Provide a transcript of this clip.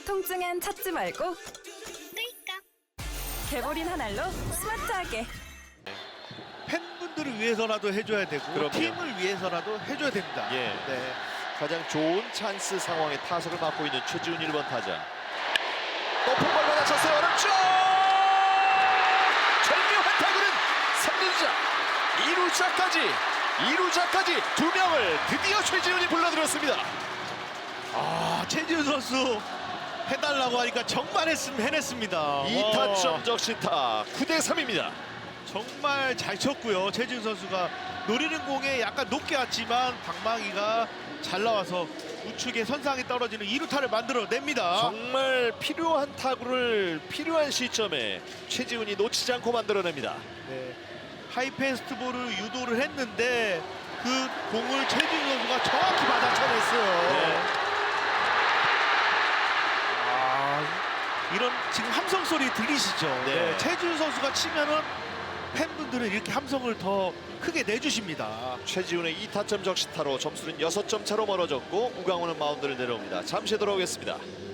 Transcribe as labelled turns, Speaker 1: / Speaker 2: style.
Speaker 1: 통증엔 찾지 말고 개보린 한 알로 스마트하게.
Speaker 2: 팬분들을 위해서라도 해줘야 되고
Speaker 3: 그럼요.
Speaker 2: 팀을 위해서라도 해줘야 됩니다.
Speaker 3: 예.
Speaker 2: 네.
Speaker 3: 가장 좋은 찬스 상황에 타석을 맡고 있는 최지훈 1번 타자. 높은 볼 받아쳤어요. 어렵죠. 절묘한 타구는 3루자 2루자까지 2명을 드디어 최지훈이 불러들였습니다.
Speaker 2: 최지훈 선수 해달라고 하니까 정말 해냈습니다.
Speaker 3: 2타점 적시타 9대 3입니다.
Speaker 2: 정말 잘 쳤고요. 최지훈 선수가 노리는 공에 약간 높게 왔지만 방망이가 잘 나와서 우측에 선상에 떨어지는 2루타를 만들어냅니다.
Speaker 3: 정말 필요한 타구를 필요한 시점에 최지훈이 놓치지 않고 만들어냅니다.
Speaker 2: 네. 하이패스트볼을 유도를 했는데 그 공을 최지훈 선수가 정확히 받아쳐냈어요.
Speaker 3: 네.
Speaker 2: 이런 지금 함성 소리 들리시죠?
Speaker 3: 네.
Speaker 2: 최지훈 선수가 치면은 팬분들은 이렇게 함성을 더 크게 내주십니다.
Speaker 3: 최지훈의 2타점 적시타로 점수는 6점 차로 멀어졌고 우강호는 마운드를 내려옵니다. 잠시 돌아오겠습니다.